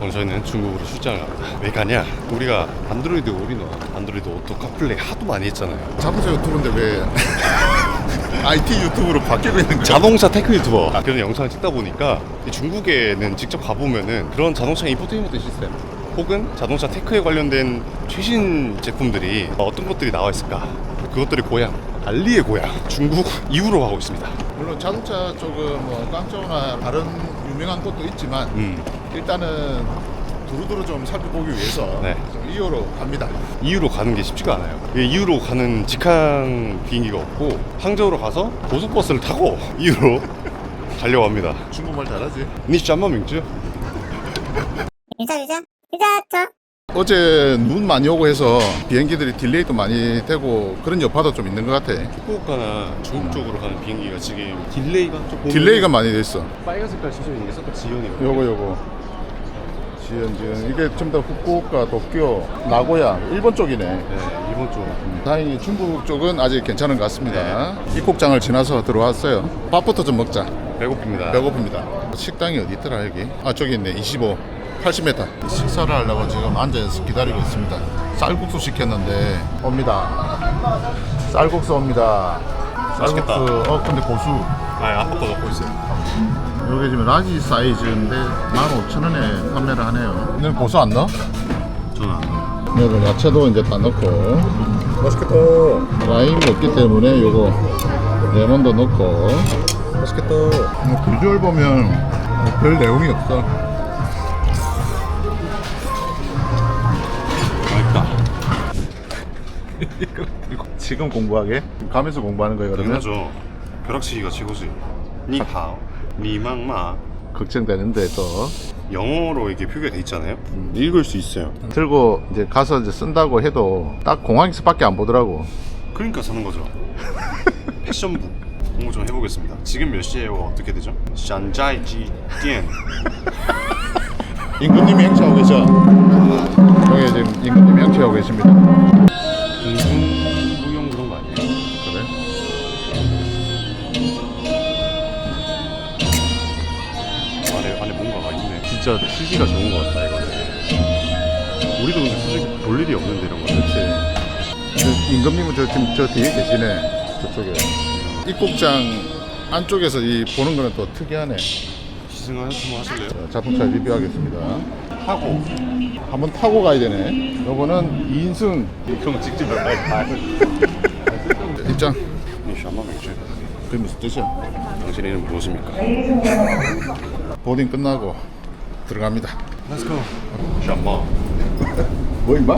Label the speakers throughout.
Speaker 1: 오늘 저희는 중국으로 출장을 갑니다. 왜 가냐? 우리가 안드로이드 올인원, 안드로이드 오토 카플레이 하도 많이 했잖아요.
Speaker 2: 자동차 유튜브인데 왜 IT 유튜브로 바뀌고 있는 거야?
Speaker 1: 자동차 테크 유튜버 그런 영상을 찍다 보니까 중국에는 직접 가보면은 그런 자동차 인포테인먼트 시스템 혹은 자동차 테크에 관련된 최신 제품들이 어떤 것들이 나와 있을까? 그것들의 고향, 알리의 고향 중국 이후로 가고 있습니다.
Speaker 2: 물론 자동차 쪽은 뭐 깡짜오나 다른 유명한 곳도 있지만 일단은 두루두루 좀 살펴보기 위해서
Speaker 1: 네.
Speaker 2: 좀 이호로 갑니다.
Speaker 1: 이후로 가는 게 쉽지가 않아요. 이후로 가는 직항 비행기가 없고 항저우로 가서 고속버스를 타고 이후로 가려고 합니다.
Speaker 2: 중국말 잘하지?
Speaker 1: 니 짬마 명주?
Speaker 3: 等一下，等一下，等一下，走。
Speaker 2: 어제 눈 많이 오고 해서 비행기들이 딜레이도 많이 되고 그런 여파도 좀 있는 것 같아.
Speaker 1: 후쿠오카나 중국 쪽으로 가는 비행기가 지금 딜레이가 좀
Speaker 2: 딜레이가 많이 됐어.
Speaker 1: 빨간 색깔 칠해져 있는 게 섞어 지연이에요.
Speaker 2: 요거 지연 이게 좀 더 후쿠오카, 도쿄, 나고야 일본 쪽이네.
Speaker 1: 네, 일본 쪽.
Speaker 2: 다행히 중국 쪽은 아직 괜찮은 것 같습니다. 입국장을 지나서 들어왔어요. 밥부터 좀 먹자.
Speaker 1: 배고픕니다.
Speaker 2: 배고픕니다. 식당이 어디 있더라 여기? 아 저기 있네. 25, 80m. 식사를 하려고 지금 앉아서 기다리고 있습니다. 쌀국수 시켰는데 옵니다. 쌀국수 옵니다.
Speaker 1: 맛있겠다.
Speaker 2: 쌀국수. 근데 고수.
Speaker 1: 아, 아빠 거 넣고 있어요.
Speaker 2: 여기 지금 라지 사이즈인데 15,000원에 판매를 하네요. 오늘 고수 안 넣어?
Speaker 1: 저는 안 넣어요.
Speaker 2: 여기 야채도 이제 다 넣고 맛있겠다. 라임이 없기 때문에 요거 레몬도 넣고 맛있겠다. 비주얼 보면 별 내용이 없어.
Speaker 1: 맛있다.
Speaker 2: 지금 공부하게? 가면서 공부하는 거예요 그러면?
Speaker 1: 당연하죠. 벼락치기가 최고지. 니하오, 니망마.
Speaker 2: 걱정되는데 또
Speaker 1: 영어로 이게 표기가 돼 있잖아요. 읽을 수 있어요.
Speaker 2: 들고 이제 가서 이제 쓴다고 해도 딱 공항에서밖에 안 보더라고.
Speaker 1: 그러니까 사는 거죠. 패션부 공부 좀 해보겠습니다. 지금 몇 시에요? 어떻게 되죠? 샨자이지 띠엔.
Speaker 2: 임금님이 행차하고 계셔. 여기 지금 임금님이 행차하고 계십니다.
Speaker 1: 공중부영 그런 거 아니에요?
Speaker 2: 그래?
Speaker 1: 안에 뭔가가 있네. 진짜 취지가 좋은 것 같다 이거는. 우리도 근데 솔직히 볼 일이 없는데 이런 거는.
Speaker 2: 그렇지. 임금님은 지금 저 뒤에 계시네. 저쪽에. 입국장 안쪽에서 이 보는 거는 또 특이하네.
Speaker 1: 시승을 한번 하실래요?
Speaker 2: 자, 자동차 리뷰하겠습니다.
Speaker 1: 타고
Speaker 2: 한번 타고 가야 되네. 요거는 2인승.
Speaker 1: 그럼 직접 몇 발 다.
Speaker 2: 입장.
Speaker 1: 니 샤마 맥주.
Speaker 2: 그게 무슨 뜻이야?
Speaker 1: 당신 이름 무엇입니까?
Speaker 2: 보딩 끝나고 들어갑니다.
Speaker 1: Let's go. 샤마.
Speaker 2: 뭐 임마?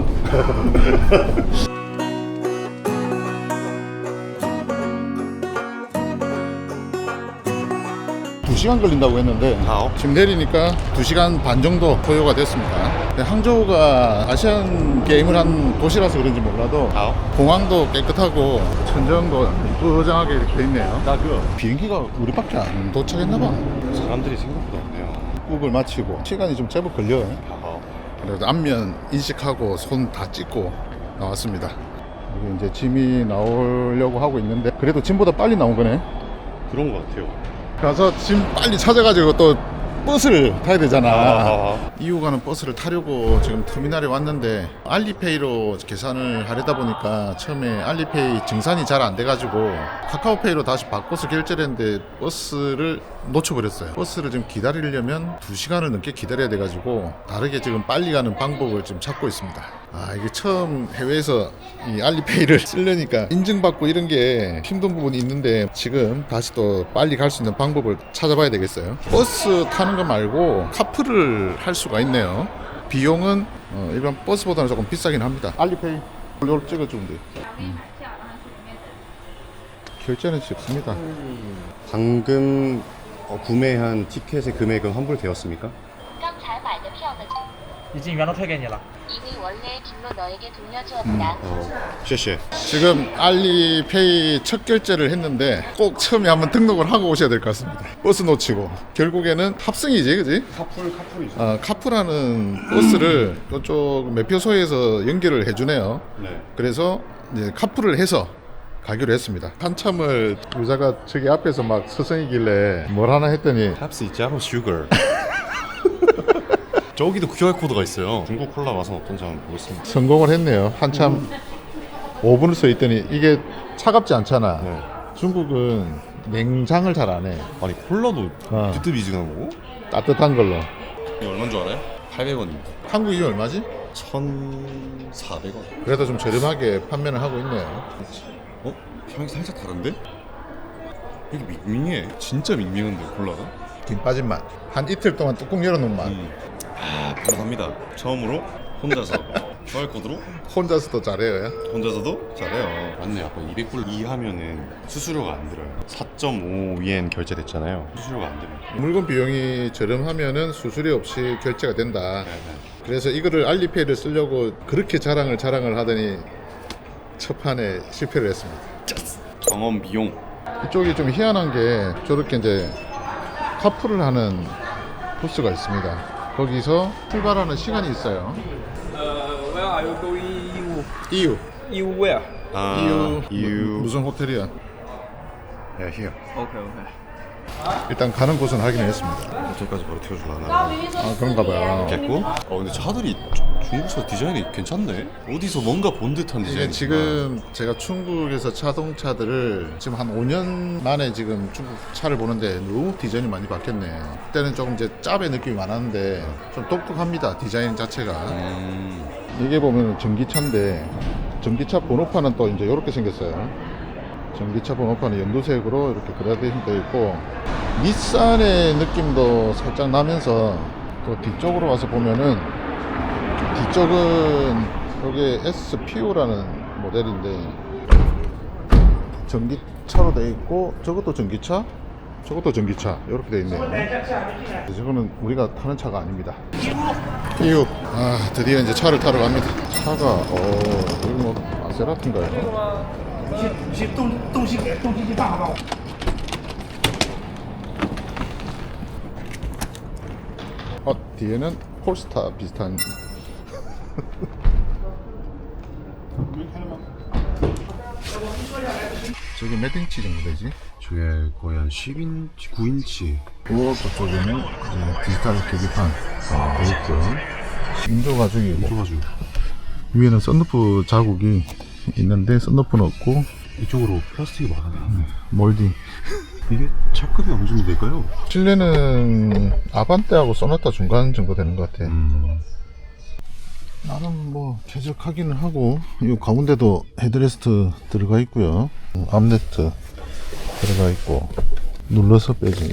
Speaker 2: 2시간 걸린다고 했는데 지금 내리니까 2시간 반 정도 소요가 됐습니다. 근데 항저우가 아시안 게임을 한 도시라서 그런지 몰라도 공항도 깨끗하고 천정도 뿌장하게 이렇게 돼 있네요. 비행기가 우리밖에 안 도착했나봐.
Speaker 1: 사람들이 생각보다 없네요.
Speaker 2: 입국을 마치고 시간이 좀 제법 걸려요. 그래서 안면 인식하고 손 다 찍고 나왔습니다. 여기 이제 짐이 나오려고 하고 있는데 그래도 짐보다 빨리 나온 거네.
Speaker 1: 그런 것 같아요.
Speaker 2: 가서 짐 빨리 찾아가지고 또 버스를 타야 되잖아.
Speaker 1: 아.
Speaker 2: 이후가는 버스를 타려고 지금 터미널에 왔는데 알리페이로 계산을 하려다 보니까 처음에 알리페이 증산이 잘 안 돼가지고 카카오페이로 다시 바꿔서 결제를 했는데 버스를 놓쳐버렸어요. 버스를 지금 기다리려면 2시간을 넘게 기다려야 돼가지고 다르게 지금 빨리 가는 방법을 지금 찾고 있습니다. 아 이게 처음 해외에서 이 알리페이를 쓰려니까 인증받고 이런 게 힘든 부분이 있는데 지금 다시 또 빨리 갈 수 있는 방법을 찾아봐야 되겠어요. 버스 타는 거 말고 카풀을 할 수가 있네요. 비용은 일반 버스보다는 조금 비싸긴 합니다. 알리페이 이걸 찍어주면 돼요. 결제는 쉽습니다.
Speaker 1: 방금 구매한 티켓의 금액은 환불되었습니까?
Speaker 4: 刚才买的票的
Speaker 5: 已经原都退给你了。
Speaker 4: 이미 원래 길로 너에게 돌려주었다.
Speaker 1: 쉐쉐.
Speaker 2: 지금 알리페이 첫 결제를 했는데 꼭 처음에 한번 등록을 하고 오셔야 될 것 같습니다. 버스 놓치고 결국에는 합승이지, 그지?
Speaker 1: 카풀이죠.
Speaker 2: 카풀하는 버스를 이쪽 매표소에서 연결을 해주네요.
Speaker 1: 네.
Speaker 2: 그래서 이제 카풀을 해서 가기로 했습니다. 한참을 여자가 저기 앞에서 막 서성이길래 뭘 하나 했더니
Speaker 1: 탑스 자로 슈거. 저기도 QR코드가 있어요. 중국 콜라 맛은 어떤지 한번 보겠습니다.
Speaker 2: 성공을 했네요. 한참 5분을 써 있더니 이게 차갑지 않잖아.
Speaker 1: 네.
Speaker 2: 중국은 냉장을 잘 안 해.
Speaker 1: 아니 콜라도
Speaker 2: 어.
Speaker 1: 비트비즈한 거고?
Speaker 2: 따뜻한 걸로.
Speaker 1: 이게 얼마인 줄 알아요? 800원입니다.
Speaker 2: 한국 이게 얼마지?
Speaker 1: 1,400원.
Speaker 2: 그래도 좀 저렴하게 판매를 하고 있네요.
Speaker 1: 어? 향이 살짝 다른데? 이게 밍밍해. 진짜 밍밍한데 콜라가?
Speaker 2: 김 빠진 맛. 한 이틀 동안 뚜껑 열어놓은 맛.
Speaker 1: 바로 갑니다. 처음으로 혼자서 QR코드로
Speaker 2: 혼자서도 잘해요.
Speaker 1: 혼자서도 잘해요. 맞네요. 아까 200불 이하면은 수수료가 안 들어요. 4.5엔 결제됐잖아요. 수수료가 안 들어요.
Speaker 2: 물건 비용이 저렴하면은 수수료 없이 결제가 된다.
Speaker 1: 네.
Speaker 2: 그래서 이거를 알리페이를 쓰려고 그렇게 자랑을 하더니 첫 판에 실패를 했습니다.
Speaker 1: 경험 비용.
Speaker 2: 이쪽이 좀 희한한 게 저렇게 이제 카풀을 하는 부스가 있습니다. 거기서 출발하는 시간이 있어요.
Speaker 3: Where are you going?
Speaker 2: 이유.
Speaker 3: You where?
Speaker 1: 아,
Speaker 2: 이유. 무슨 호텔이야?
Speaker 1: 야, here.
Speaker 3: Okay, okay.
Speaker 2: 일단 가는 곳은 확인을 했습니다.
Speaker 1: 호텔까지 바로 태워주려나?
Speaker 2: 아 그런가 봐요.
Speaker 1: 됐고? 근데 차들이 중국서 디자인이 괜찮네? 어디서 뭔가 본 듯한 디자인.
Speaker 2: 이게 지금 제가 중국에서 자동차들을 지금 한 5년 만에 지금 중국 차를 보는데 너무 디자인이 많이 바뀌었네. 그때는 조금 이제 짭의 느낌이 많았는데 좀 독특합니다. 디자인 자체가. 이게 보면 전기차인데 전기차 번호판은 또 이제 이렇게 생겼어요. 전기차 번호판은 연두색으로 이렇게 그라데이션 되어 있고 닛산의 느낌도 살짝 나면서 또 뒤쪽으로 와서 보면은 뒤쪽은 여기 SPO라는 모델인데 전기차로 되어 있고 저것도 전기차, 저것도 전기차 이렇게 되어 있네요. 저거는 우리가 타는 차가 아닙니다. PU. 아 드디어 이제 차를 타러 갑니다. 차가 여기 뭐 마세라티인가요? 뒤에는 폴스타 비슷한 저게 몇 인치 정도 되지?
Speaker 1: 저게 거의 한 10인치, 9인치.
Speaker 2: 그것도 쪽에는 이제 디지털 계기판 돼 있고 인조 가죽이고
Speaker 1: 좁아지고.
Speaker 2: 위에는 썬루프 자국이 있는데 썬루프는 없고
Speaker 1: 이쪽으로 플라스틱이 많아요.
Speaker 2: 몰딩.
Speaker 1: 이게 차급이 어느 정도 될까요?
Speaker 2: 실내는 아반떼하고 소나타 중간 정도 되는 것 같아. 나름 뭐 쾌적하기는 하고 이 가운데도 헤드레스트 들어가 있고요. 암레트 들어가 있고 눌러서 빼지.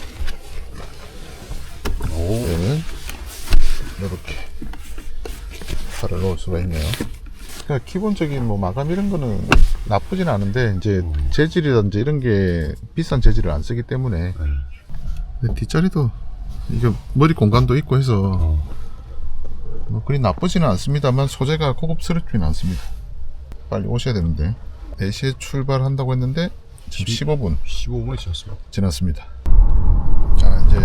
Speaker 2: 네. 이렇게 팔을 넣을 수가 있네요. 그러니까 기본적인 뭐 마감 이런 거는 나쁘진 않은데 이제 재질이든지 이런 게 비싼 재질을 안 쓰기 때문에. 근데 뒷자리도 이게 머리 공간도 있고 해서 뭐 그리 나쁘지는 않습니다만 소재가 고급스럽지는 않습니다. 빨리 오셔야 되는데 4시에 출발한다고 했는데 지금
Speaker 1: 15분이 지났어요.
Speaker 2: 지났습니다. 자 이제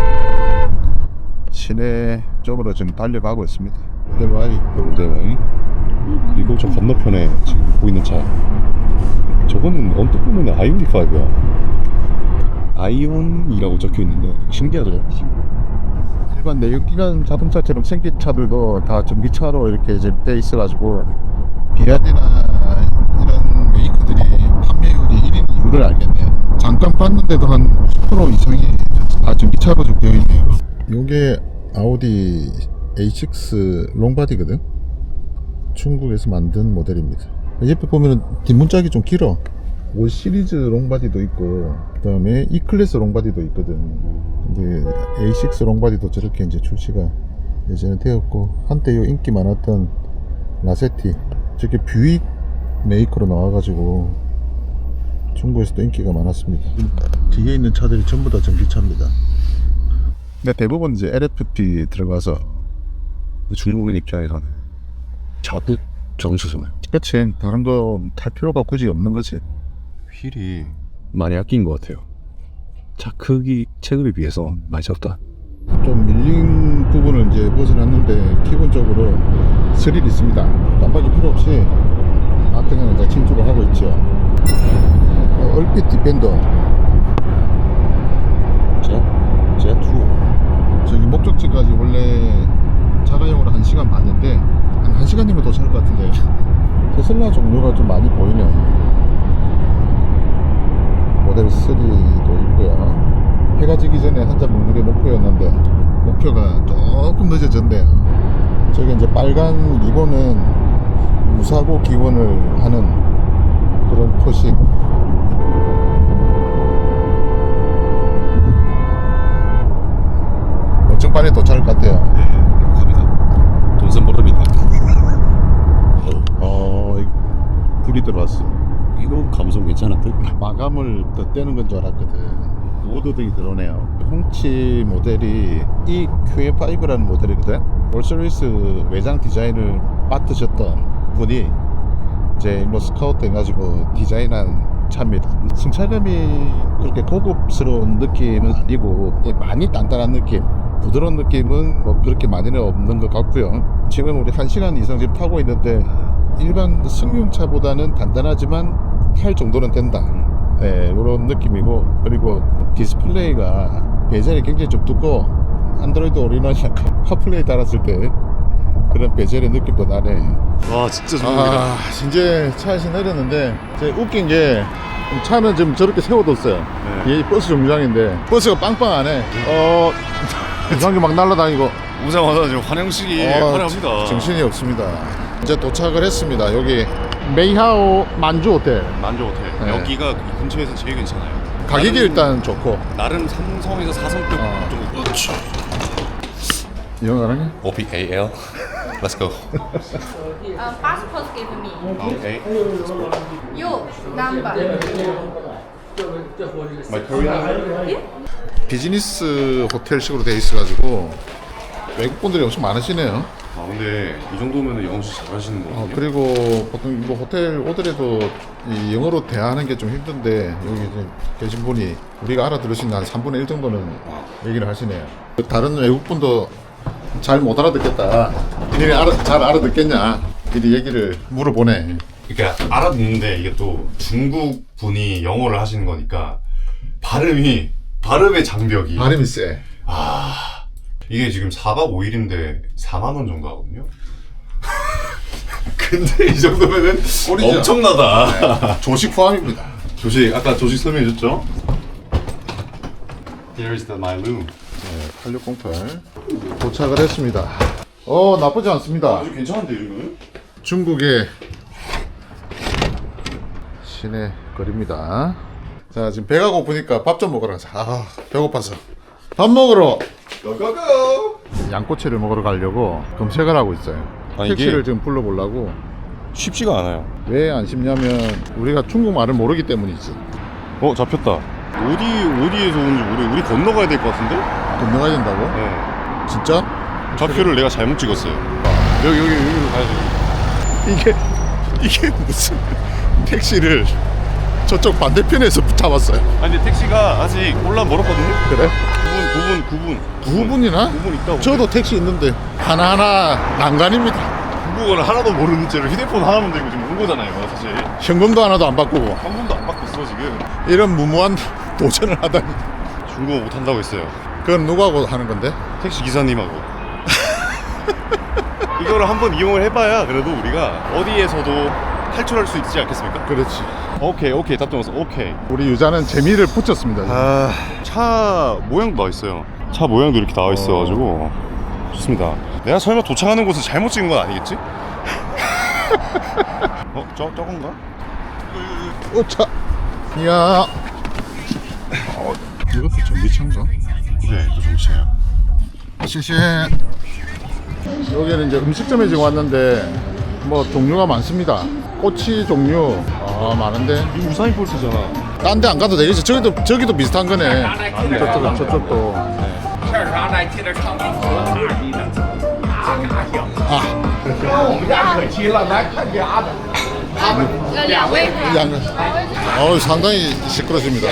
Speaker 2: 시내 쪽으로 지금 달려가고 있습니다.
Speaker 1: 대바이. 그리고 저 건너편에 지금 보이는 차. 저거는 언뜻 보면 아이오닉 5야. 아이온이라고 적혀 있는데 신기하더라고요.
Speaker 2: 일반 내연기관 자동차처럼 생긴 차들도 다 전기차로 이렇게 이제 돼 있어가지고 비아디나 이런 메이커들이 판매율이 1인 이유를 알겠네요. 잠깐 봤는데도 한 50% 이상이 다 전기차로 좀 되어 있네요. 요게 아우디 A6 롱바디거든. 중국에서 만든 모델입니다. 옆에 보면은 뒷문짝이 좀 길어. 5 시리즈 롱바디도 있고 그 다음에 E클래스 롱바디도 있거든. 근데 A6 롱바디도 저렇게 이제 출시가 예전에 되었고 한때 요 인기 많았던 라세티 저렇게 뷰익 메이커로 나와가지고 중국에서도 인기가 많았습니다. 뒤에 있는 차들이 전부 다 전기차입니다. 근데 대부분 이제 LFP 들어가서
Speaker 1: 중국인 입장에서는 차도 정수잖아요.
Speaker 2: 그치 다른 거 탈 필요가 굳이 없는 거지.
Speaker 1: 휠이 많이 아낀 것 같아요. 차 크기 체급에 비해서 많이 적다.
Speaker 2: 좀 밀린 부분을 이제 벗어났는데 기본적으로 스릴 있습니다. 깜빡이 필요 없이 앞에는 이제 진출을 하고 있죠. 얼핏 디펜더
Speaker 1: 제트
Speaker 2: 저기 목적지까지 원래 자가용으로 1시간 반인데 한 1시간이면 도착할 것 같은데 테슬라 종류가 좀 많이 보이네. 모델 3도 있고요. 해가 지기 전에 한 잔 먹는 게 목표였는데 목표가 조금 늦어졌네요. 저기 이제 빨간 리본은 무사고 기원을 하는 그런 표식. 엄청 빨리 도착할 것 같아요.
Speaker 1: 갑니다. 돈센보름이다.
Speaker 2: 불이 들어왔어.
Speaker 1: 이거 감성 괜찮았대.
Speaker 2: 마감을 더 떼는 건 줄 알았거든. 오도등이 들어오네요. 홍치 모델이 EQA5라는 모델이거든. 롤스로이스 외장 디자인을 맡으셨던 분이 이제 뭐 스카우트 해가지고 디자인한 차입니다. 승차감이 그렇게 고급스러운 느낌은 아니고 많이 단단한 느낌, 부드러운 느낌은 뭐 그렇게 많이는 없는 것 같고요. 지금 우리 1시간 이상 지금 타고 있는데 일반 승용차보다는 단단하지만 탈 정도는 된다. 네, 이런 느낌이고, 그리고 디스플레이가 베젤이 굉장히 좀 두꺼워. 안드로이드 오리지널 카플레이 달았을 때 그런 베젤의 느낌도 나네.
Speaker 1: 와 진짜 좋습니다.
Speaker 2: 이제 차에서 내렸는데 이제 웃긴 게 차는 지금 저렇게 세워뒀어요.
Speaker 1: 네.
Speaker 2: 이 버스 정류장인데 버스가 빵빵하네. 이상하게 막 날아다니고
Speaker 1: 오자마자 지금 환영식이 환영합니다.
Speaker 2: 정신이 없습니다. 이제 도착을 했습니다. 여기 메이하오 만주 호텔.
Speaker 1: 만조 호텔.
Speaker 2: 네.
Speaker 1: 여기가 이 근처에서 제일 괜찮아요.
Speaker 2: 가격이
Speaker 1: 나름-
Speaker 2: 일단 좋고.
Speaker 1: 나름 삼성에서 4성급 정도.
Speaker 2: 영어 가능해?
Speaker 1: OPAL. Let's go.
Speaker 4: passport give me.
Speaker 1: Okay.
Speaker 4: You number.
Speaker 1: My Korean.
Speaker 2: 비즈니스 호텔식으로 돼 있어가지고 외국 분들이 엄청 많으시네요.
Speaker 1: 아 근데 이 정도면 영어 진짜 잘하시는 거예요.
Speaker 2: 그리고 보통 뭐 호텔 오더라도 이 영어로 대화하는 게 좀 힘든데 여기 이제 계신 분이 우리가 알아들을 수 있는 한 3분의 1 정도는 얘기를 하시네요. 다른 외국 분도 잘 못 알아듣겠다. 니네 잘 알아듣겠냐? 미리 얘기를 물어보네.
Speaker 1: 그러니까 알아듣는데 이게 또 중국 분이 영어를 하시는 거니까 발음의 장벽이
Speaker 2: 발음이 세.
Speaker 1: 이게 지금 4박 5일인데 4만 원 정도 하거든요. 근데 이 정도면은
Speaker 2: 꼴이죠.
Speaker 1: 엄청나다.
Speaker 2: 조식 포함입니다.
Speaker 1: 조식 아까 조식 설명해 줬죠? Here is my room.
Speaker 2: 8608 도착을 했습니다. 나쁘지 않습니다.
Speaker 1: 아주 괜찮은데 이거는?
Speaker 2: 중국의 시내 거리입니다. 자, 지금 배가 고프니까 밥 좀 먹으러 가자. 배고파서 밥 먹으러
Speaker 1: 고고고.
Speaker 2: 양꼬치를 먹으러 가려고 검색을 하고 있어요.
Speaker 1: 아니,
Speaker 2: 택시를
Speaker 1: 이게-
Speaker 2: 지금 불러보려고.
Speaker 1: 쉽지가 않아요.
Speaker 2: 왜 안 쉽냐면 우리가 중국말을 모르기 때문이지.
Speaker 1: 잡혔다. 어디에서 오는지 우리 건너가야 될 것 같은데?
Speaker 2: 건너가야 된다고?
Speaker 1: 네.
Speaker 2: 진짜?
Speaker 1: 좌표를 내가 잘못 찍었어요. 여기로 가야지.
Speaker 2: 이게 무슨 택시를 저쪽 반대편에서 잡았어요.
Speaker 1: 아니 근데 택시가 아직 올라 멀었거든요?
Speaker 2: 그래?
Speaker 1: 9분
Speaker 2: 9분이나?
Speaker 1: 있다고.
Speaker 2: 저도 택시 있는데 하나하나 난간입니다.
Speaker 1: 중국어를 하나도 모르는 채로 휴대폰 하나만 들고 지금 온 거잖아요 사실.
Speaker 2: 현금도 하나도 안 바꾸고
Speaker 1: 한 번도 안 바꿨어 지금.
Speaker 2: 이런 무모한 도전을 하다니.
Speaker 1: 중국어 못한다고 했어요.
Speaker 2: 그건 누구하고 하는 건데?
Speaker 1: 택시 기사님하고. 이거를 한번 이용을 해봐야 그래도 우리가 어디에서도 탈출할 수 있지 않겠습니까?
Speaker 2: 그렇지.
Speaker 1: 오케이 답 들었어. 오케이.
Speaker 2: 우리 유자는 재미를 붙였습니다.
Speaker 1: 차 모양도 나와 있어요. 차 모양도 이렇게 나와 있어가지고 좋습니다. 내가 설마 도착하는 곳을 잘못 찍은 건 아니겠지? 저건가?
Speaker 2: 차. 이야. 이것도 전기차인가?
Speaker 1: 네, 또 정치예요.
Speaker 2: 시시. 여기는 이제 음식점에 지금 왔는데 뭐 종류가 많습니다. 꼬치 종류 많은데
Speaker 1: 이 우사인 볼트잖아.
Speaker 2: 딴 데 안 가도 되겠지. 저기도 비슷한 거네. 저쪽도.
Speaker 3: 这儿啥来？接着唱歌，大逼的，我们家可齐了，来看家的。
Speaker 4: 两位。
Speaker 2: 상당히 시끄러집니다.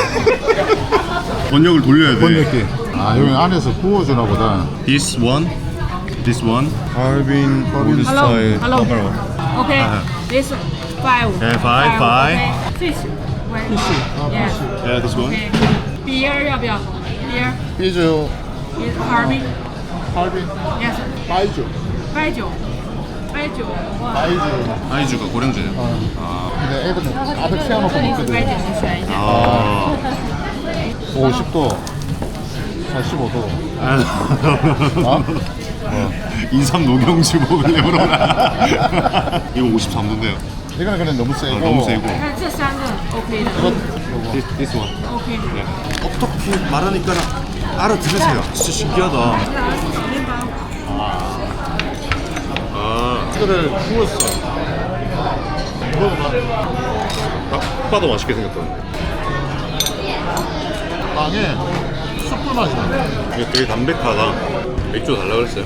Speaker 1: 번역을 돌려야 돼.
Speaker 2: 번역기. 여기 안에서 구워주나 보다.
Speaker 1: This one. Harbin Golden Style.
Speaker 6: Hello. Okay. This 5.
Speaker 1: Yeah, five.
Speaker 6: Okay. Fish. Fish. Yes.
Speaker 1: Yeah, this one.
Speaker 6: Okay. Beer 要不要 ？Beer.
Speaker 2: 삐주.
Speaker 6: Is Harvey?
Speaker 2: 할빈
Speaker 6: Yes.
Speaker 2: 빠이주
Speaker 6: 白酒，白酒。
Speaker 2: 빠이주
Speaker 1: 아이주가 고량주예요.
Speaker 2: 근데 애들은 가득 채워놓고
Speaker 6: 这里是白
Speaker 2: 먹거든
Speaker 6: 酒，你选一下。
Speaker 1: 아.
Speaker 2: 50도 45도 어?
Speaker 1: 인삼 녹용주 먹으려고 그러나. 이거 53도인데요.
Speaker 2: 이거는 그냥 너무 세고
Speaker 1: 너무 세고.
Speaker 6: 看这三个 OK 的
Speaker 1: This one.
Speaker 6: ，OK。
Speaker 1: 어떻게 말하니까 알아들으세요. 진짜 신기하다.
Speaker 6: 面包。
Speaker 1: 아,
Speaker 2: 이거를 구웠어 먹어봐
Speaker 1: 딱 봐도 맛있게 생겼다.
Speaker 2: 빵에 숯불 맛이 나
Speaker 1: 이게 되게 담백하다. 맥주 달라 그랬어요.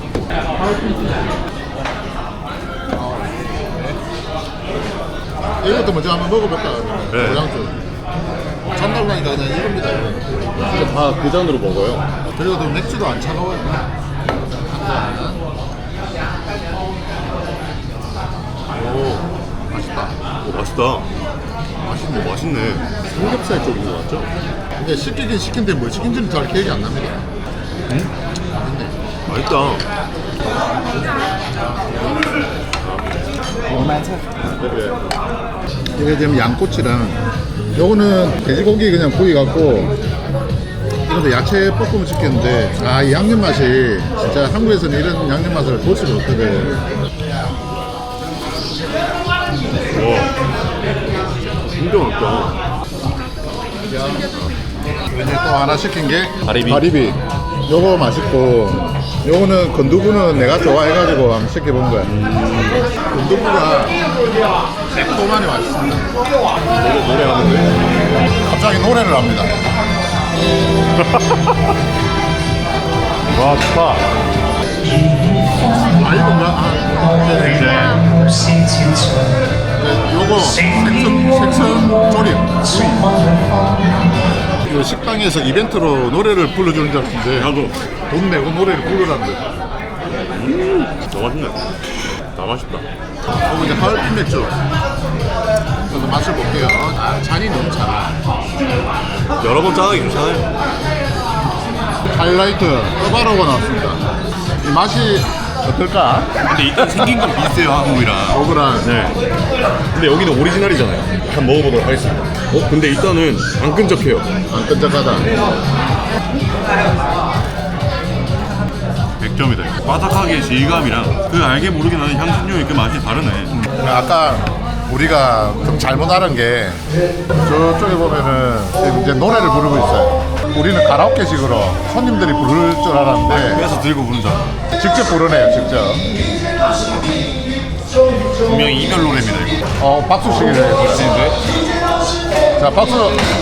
Speaker 2: 이것도 먼저 한번 먹어볼까?
Speaker 1: 네.
Speaker 2: 고량주 잔달라니까 그냥 이겁니다 이거.
Speaker 1: 진짜 다 그 잔으로 먹어요.
Speaker 2: 그리고 또 맥주도 안 차가워요 오 맛있다
Speaker 1: 오, 맛있다.
Speaker 2: 맛있네
Speaker 1: 맛있네. 삼겹살 쪽인 것 같죠?
Speaker 2: 근데 시키긴 시킨데 뭘 시킨지는 잘 기억이 안 납니다
Speaker 1: 맛있다.
Speaker 2: 이게 지금 양꼬치랑 요거는 돼지고기 그냥 구이 갖고 이것도 야채 볶음을 시켰는데 아 이 양념 맛이 진짜 한국에서는 이런 양념 맛을 볼 수가 없거든
Speaker 1: 진짜 맛있다.
Speaker 2: 이제 또 하나 시킨 게
Speaker 1: 가리비.
Speaker 2: 요거 맛있고 요거는 건두부는 내가 좋아해가지고 한번 시켜본 거야 건두부가 새콤하니 맛있습니다
Speaker 1: 노래하는데?
Speaker 2: 갑자기 노래를 합니다
Speaker 1: 와, 좋다.
Speaker 2: 아 이건가? 요거 생선 조림 이 식당에서 이벤트로 노래를 불러주는 줄 알았는데
Speaker 1: 나도.
Speaker 2: 돈 내고 노래를 부르라는데
Speaker 1: 너무 맛있네. 다 맛있다.
Speaker 2: 그리고 이제 하얼빈 맥주 저도 맛을 볼게요 아 잔이 너무 작아
Speaker 1: 여러 번 짜기 좋잖아요.
Speaker 2: 하이라이트 어바로가 나왔습니다 이 맛이 어떨까?
Speaker 1: 근데 일단 생긴 건 비슷해요, 한국이랑.
Speaker 2: 억울한
Speaker 1: 네. 근데 여기는 오리지널이잖아요. 한번 먹어보도록 하겠습니다. 근데 일단은 안 끈적해요.
Speaker 2: 안 끈적하다
Speaker 1: 100점이다. 바삭하게 질감이랑 그 알게 모르게 나는 향신료의 그 맛이 다르네.
Speaker 2: 아까 우리가 좀 잘못 알은 게 저쪽에 보면은 지금 이제 노래를 부르고 있어요 우리는 가라오케식으로 손님들이 부를 줄 알았는데
Speaker 1: 그래서 들고 부른 줄 알아.
Speaker 2: 직접 부르네요 직접
Speaker 1: 분명히 이별 노래입니다, 이거.
Speaker 2: 박수식이래요
Speaker 1: 멋진데?
Speaker 2: 자 박수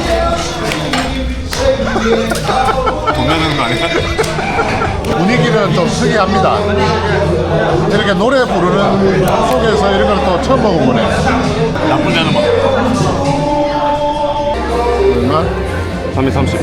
Speaker 1: 돈 내는 거 아니야?
Speaker 2: 분위기는 좀 특이합니다 이렇게 노래 부르는 속에서 이런 걸 또 처음 먹어보네
Speaker 1: 나쁘지 않은 맛.
Speaker 2: 얼마?
Speaker 1: 330.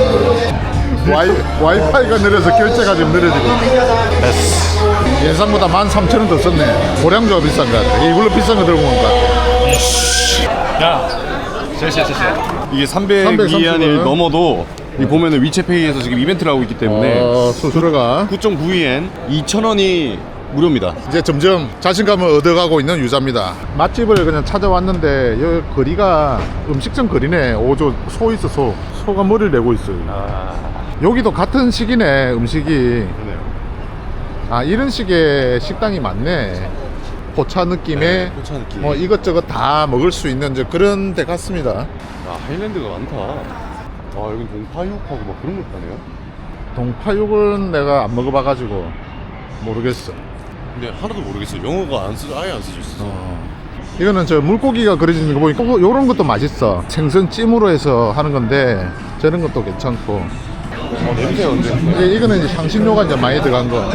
Speaker 2: 와이파이가 느려서 결제가 좀 느려지고
Speaker 1: 됐어.
Speaker 2: 예상보다 13,000원 더 썼네 고량주가 비싼 것 같아 이걸로 비싼 거 들고 온 것 같아
Speaker 1: 야, 이게 300위안이 넘어도 이 보면은 위챗페이에서 지금 이벤트를 하고 있기 때문에
Speaker 2: 수수료가
Speaker 1: 9.9위엔 2,000원이 무료입니다.
Speaker 2: 이제 점점 자신감을 얻어가고 있는 유자입니다 맛집을 그냥 찾아왔는데 여기 거리가 음식점 거리네 오조 소 있어 소가 머리를 내고 있어요 여기도 같은 시기네 음식이
Speaker 1: 그러네요.
Speaker 2: 아 이런 식의 식당이 많네 포차 느낌의
Speaker 1: 네, 포차 느낌.
Speaker 2: 뭐 이것저것 다 먹을 수 있는 이제 그런 데 같습니다
Speaker 1: 아, 하일랜드가 많다. 아, 여긴 동파육하고 막 그런 것도 하네요.
Speaker 2: 동파육은 내가 안 먹어봐가지고 모르겠어
Speaker 1: 근데 하나도 모르겠어요. 영어가 아예 안 써져 있어.
Speaker 2: 이거는 저 물고기가 그려지는 거 보니까 요런 것도 맛있어 생선 찜으로 해서 하는 건데 저런 것도 괜찮고
Speaker 1: 냄새가 근데.
Speaker 2: 이거는 이제 향신료가 이제 많이 들어간 거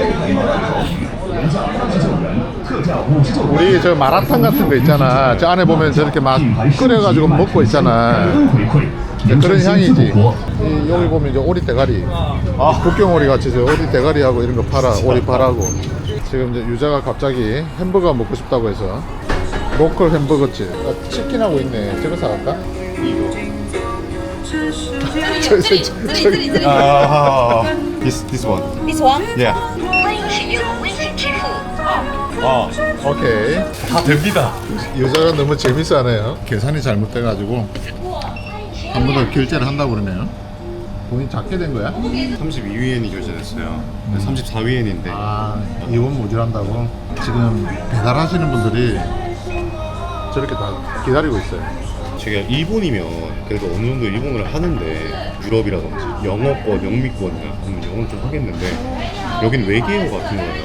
Speaker 2: 우리 저 마라탕 같은 거 있잖아 저 안에 보면 저렇게 막 끓여가지고 먹고 있잖아 그런 향이지 여기 보면 이제 오리 대가리 북경오리 같이 저 오리 대가리하고 이런 거 팔아 오리팔하고 지금 이제 유자가 갑자기 햄버거 먹고 싶다고 해서 로컬 햄버거집 치킨하고 있네 저거 사갈까?
Speaker 6: 时间
Speaker 1: 啊，this one.
Speaker 7: This one?
Speaker 1: Yeah.
Speaker 7: 欢迎使用微信支付。
Speaker 1: 아,
Speaker 2: 오케이.
Speaker 1: 다 됩니다.
Speaker 2: 여자가 너무 재밌어하네요. 계산이 잘못돼가지고 한 번 더 결제를 한다고 그러네요. 돈이 작게 된 거야?
Speaker 1: 32위엔이 결제됐어요. 34위엔인데.
Speaker 2: 아, 이원 모질한다고? 지금 배달하시는 분들이 저렇게 다 기다리고 있어요.
Speaker 1: 제가 일본이면 그래도 어느 정도 일본어를 하는데 유럽이라든지 영어권, 영미권이나 그러면 영어를 좀 하겠는데 여긴 외계어 같은 거예요.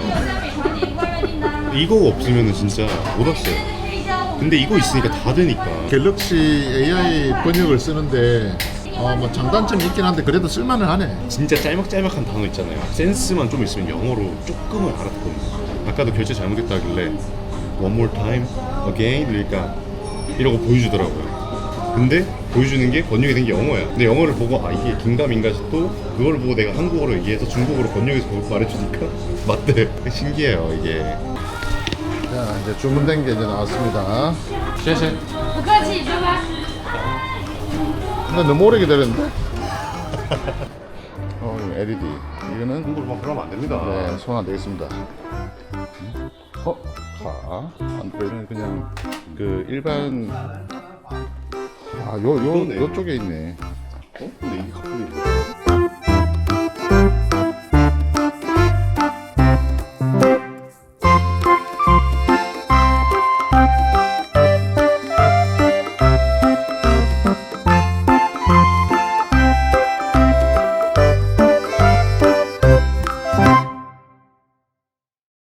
Speaker 1: 이거 없으면 진짜 못 왔어요. 근데 이거 있으니까 다 되니까.
Speaker 2: 갤럭시 AI 번역을 쓰는데 뭐 장단점이 있긴 한데 그래도 쓸만은 하네.
Speaker 1: 진짜 짤막짤막한 단어 있잖아요. 센스만 좀 있으면 영어로 조금은 알아듣거든요. 아까도 결제 잘못했다 하길래 one more time, again 그러니까 이러고 보여주더라고요. 근데 보여주는 게 번역이 된 게 영어야. 근데 영어를 보고 아 이게 긴가민가 또 그걸 보고 내가 한국어로 얘기해서 중국어로 번역해서 말해주니까 맞대. 신기해요 이게.
Speaker 2: 자, 이제 주문된 게 이제 나왔습니다.
Speaker 1: 谢谢.
Speaker 4: 不客气，拜拜。
Speaker 2: 근데 너무 오래 기다렸는데? LED. 이거는
Speaker 1: 한국어로 막 그러면 안 됩니다.
Speaker 2: 네, 손 안 되겠습니다. 가. 안드로이드는 그냥 그 일반 요쪽에 있네.
Speaker 1: 근데 이게 갑자기